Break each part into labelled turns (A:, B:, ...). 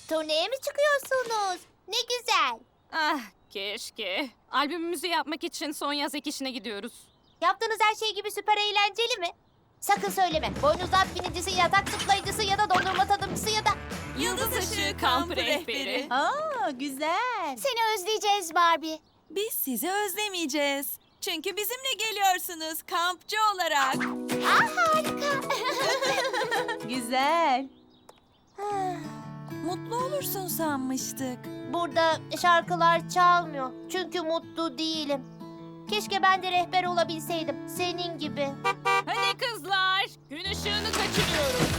A: Turneye mi çıkıyorsunuz? Ne güzel.
B: Ah keşke. Albümümüzü yapmak için son yaz ek işine gidiyoruz.
A: Yaptığınız her şey gibi süper eğlenceli mi? Sakın söyleme. Boynuzlu at binicisi, yatak zıplayıcısı ya da dondurma tadımcısı ya da...
B: Yıldız Işığı Kampı Rehberi.
C: Aa, güzel.
A: Seni özleyeceğiz Barbie.
C: Biz sizi özlemeyeceğiz. Çünkü bizimle geliyorsunuz kampçı olarak.
A: Harika.
C: Güzel. Mutlu olursun sanmıştık.
A: Burada şarkılar çalmıyor. Çünkü mutlu değilim. Keşke ben de rehber olabilseydim. Senin gibi.
B: Hadi kızlar, gün ışığını kaçırıyoruz.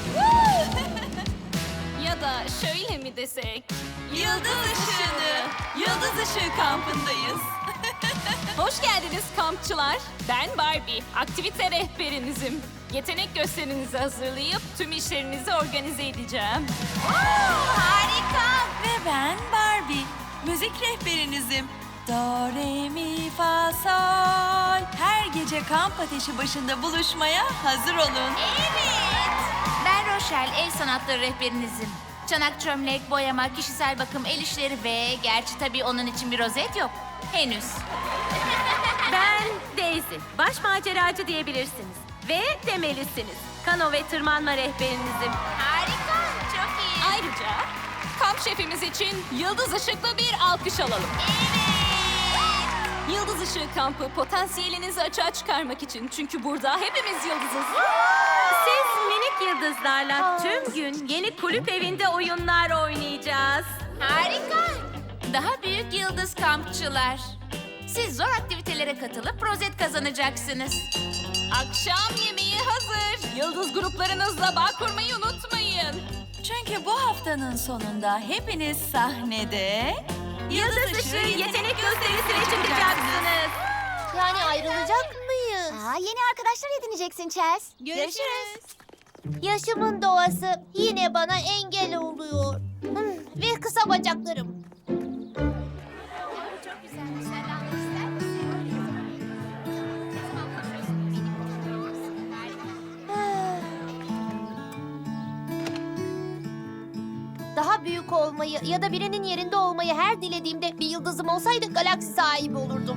B: Ya da şöyle mi desek?
C: Yıldız Işığı. Yıldız Işığı kampındayız.
B: Hoş geldiniz kampçılar. Ben Barbie, aktivite rehberinizim. Yetenek gösterinizi hazırlayıp tüm işlerinizi organize edeceğim.
C: Harika. Ve ben Barbie. Müzik rehberinizim. Do, re, mi, fa, sol. Her gece kamp ateşi başında buluşmaya hazır olun.
D: Ben Rochelle, el sanatları rehberinizim. Çanak çömlek, boyama, kişisel bakım, el işleri ve... Gerçi tabii onun için bir rozet yok. Henüz.
E: Ben Daisy. Baş maceracı diyebilirsiniz. Ve demelisiniz. Kano ve tırmanma rehberinizim.
D: Harika, çok iyi.
B: Ayrıca kamp şefimiz için Yıldız Işık'la bir alkış alalım. Yıldız Işığı kampı potansiyelinizi açığa çıkarmak için. Çünkü burada hepimiz yıldızız.
E: Siz minik yıldızlarla tüm gün yeni kulüp evinde oyunlar oynayacağız.
D: Harika. Daha büyük yıldız kampçılar. Siz zor aktivitelere katılıp rozet kazanacaksınız.
B: Akşam yemeği hazır. Yıldız gruplarınızla bağ kurmayı unutmayın.
C: Çünkü bu haftanın sonunda hepiniz sahnede...
E: Yıldız Işığı yetenek gösterisine çıkacaksınız.
A: Yani ayrılacak mıyız?
F: Yeni arkadaşlar edineceksin Chels.
C: Görüşürüz.
A: Yaşımın doğası yine bana engel oluyor. Ve kısa bacaklarım.
D: Çok güzelmiş. Sen de almak ister misin?
A: Daha büyük olmayı ya da birinin yerinde olmayı her dilediğimde bir yıldızım olsaydı galaksi sahibi olurdum.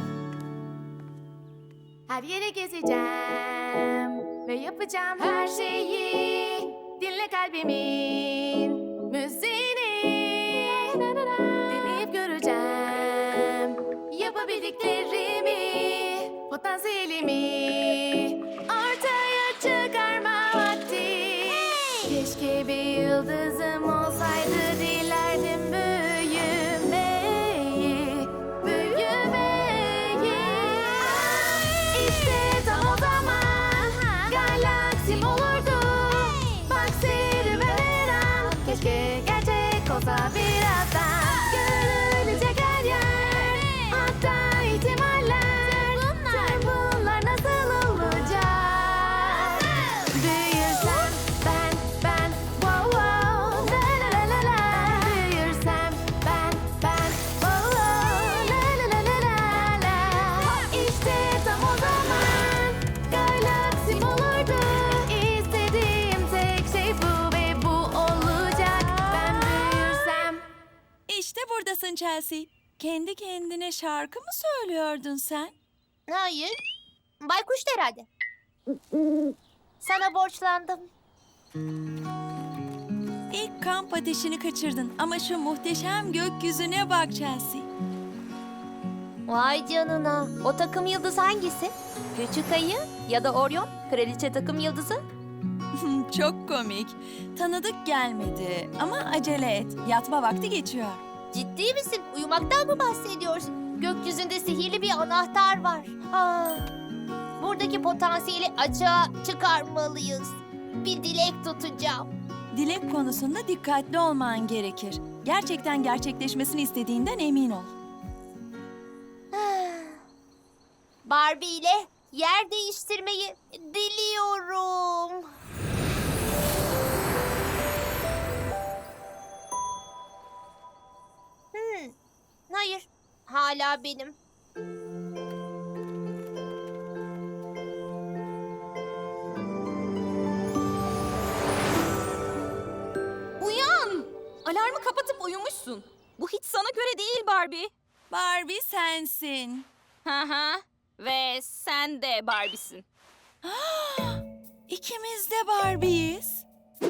F: Her yere gezeceğim ve yapacağım her şeyi. Dinle kalbimin müziğini. Deneyip göreceğim yapabildiklerimi, potansiyelimi ortaya çıkarma vakti. Keşke bir yıldızım olsaydı, dilerdim büyümeyi, büyümeyi. İşte tam o zaman galaksim olurdu. Bak serüvenem, keşke gerçek olsa birazdan. Görülecek her yer, hatta ihtimaller. Tüm bunlar nasıl olacak? Büyürsem ben, wow wow, la la la la la. Büyürsem ben, wow wow, la la la la la la. İşte tam o zaman galaksim olurdu. İstediğim tek şey bu ve bu olacak. Ben büyürsem.
C: İşte buradasın Chelsea. Kendi kendine şarkı mı söylüyordun sen?
A: Hayır. Baykuştu herhalde. Sana borçlandım.
C: İlk kamp ateşini kaçırdın ama şu muhteşem gökyüzüne bak Chelsea.
A: Vay canına. O takım yıldız hangisi? Küçük ayı ya da Orion? Kraliçe takım yıldızı?
C: Çok komik. Tanıdık gelmedi ama acele et. Yatma vakti geçiyor.
A: Ciddi misin? Uyumaktan mı bahsediyorsun? Gökyüzünde sihirli bir anahtar var. Buradaki potansiyeli açığa çıkarmalıyız. Bir dilek tutacağım.
C: Dilek konusunda dikkatli olman gerekir. Gerçekten gerçekleşmesini istediğinden emin ol.
A: Barbie ile yer değiştirmeyi diliyorum. Hayır, hala benim.
B: Uyan! Alarmı kapatıp uyumuşsun. Bu hiç sana göre değil Barbie.
C: Barbie sensin.
B: Hı hı. Ve sen de Barbie'sin.
C: İkimiz de Barbie'yiz.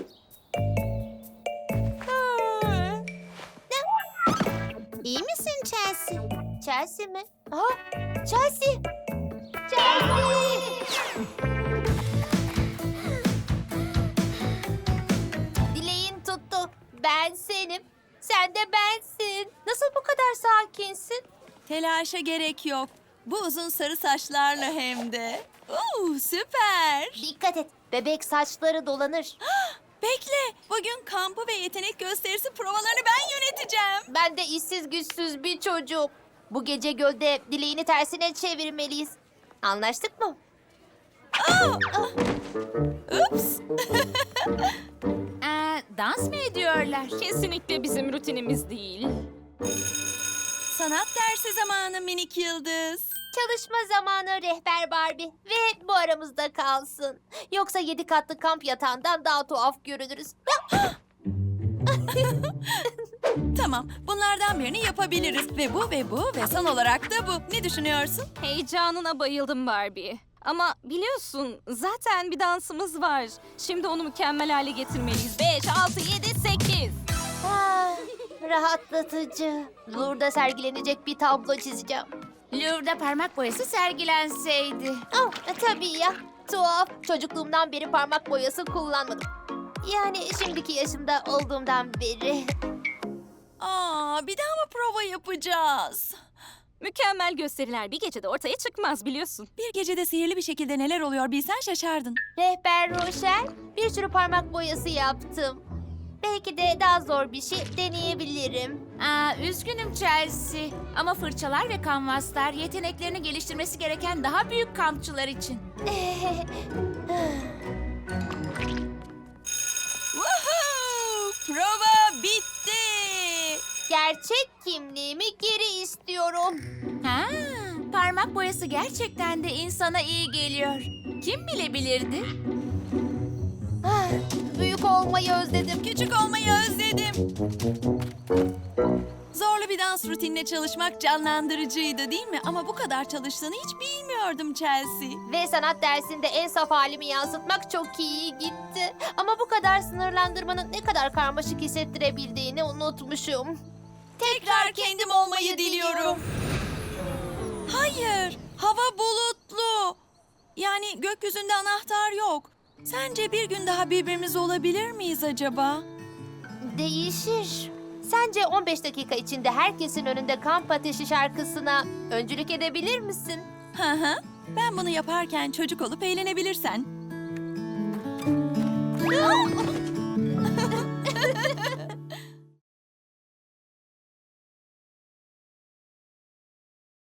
A: İyi misin Chelsea? Chelsea mi? Aha, Chelsea! Chelsea! Dileğin tuttu. Ben senim. Sen de bensin. Nasıl bu kadar sakinsin?
C: Telaşa gerek yok. Bu uzun sarı saçlarla hem de. Süper.
A: Dikkat et. Bebek saçları dolanır.
C: Bekle. Bugün kampı ve yetenek gösterisi provalarını ben yöneteceğim.
A: Ben de işsiz güçsüz bir çocuk. Bu gece gölde dileğini tersine çevirmeliyiz. Anlaştık mı?
C: Ups.
D: Dans mı ediyorlar?
B: Kesinlikle bizim rutinimiz değil.
C: Sanat dersi zamanı minik yıldız.
A: Çalışma zamanı rehber Barbie. Ve bu aramızda kalsın. Yoksa 7 katlı kamp yatağından daha tuhaf görünürüz.
C: Tamam, bunlardan birini yapabiliriz. Ve bu ve son olarak da bu. Ne düşünüyorsun?
B: Heyecanına bayıldım Barbie. Ama biliyorsun zaten bir dansımız var. Şimdi onu mükemmel hale getirmeliyiz. 5, 6, 7, 8.
A: Ah, rahatlatıcı. Louvre'da sergilenecek bir tablo çizeceğim.
D: Louvre'da parmak boyası sergilenseydi.
A: Oh, tabii ya. Tuhaf. Çocukluğumdan beri parmak boyası kullanmadım. Yani şimdiki yaşımda olduğumdan beri.
C: Bir daha mı prova yapacağız?
B: Mükemmel gösteriler bir gecede ortaya çıkmaz biliyorsun.
C: Bir gecede sihirli bir şekilde neler oluyor bilsen şaşardın.
A: Rehber Rochelle, bir sürü parmak boyası yaptım. Belki de daha zor bir şey deneyebilirim.
D: Üzgünüm Chelsea. Ama fırçalar ve kanvaslar yeteneklerini geliştirmesi gereken daha büyük kampçılar için.
C: Woohoo! Prova bitti.
A: Gerçek kimliğimi geri istiyorum.
D: Parmak boyası gerçekten de insana iyi geliyor. Kim bilebilirdi?
A: Ah, büyük olmayı özledim.
C: Küçük olmayı özledim. Zorlu bir dans rutinine çalışmak canlandırıcıydı değil mi? Ama bu kadar çalıştığını hiç bilmiyordum Chelsea.
A: Ve sanat dersinde en saf halimi yansıtmak çok iyi gitti. Ama bu kadar sınırlandırmanın ne kadar karmaşık hissettirebildiğini unutmuşum.
C: Tekrar kendim olmayı diliyorum. Hayır, hava bulutlu. Yani gökyüzünde anahtar yok. Sence bir gün daha birbirimiz olabilir miyiz acaba?
A: Değişir. Sence 15 dakika içinde herkesin önünde kamp ateşi şarkısına öncülük edebilir misin?
C: Hı hı. Ben bunu yaparken çocuk olup eğlenebilirsen.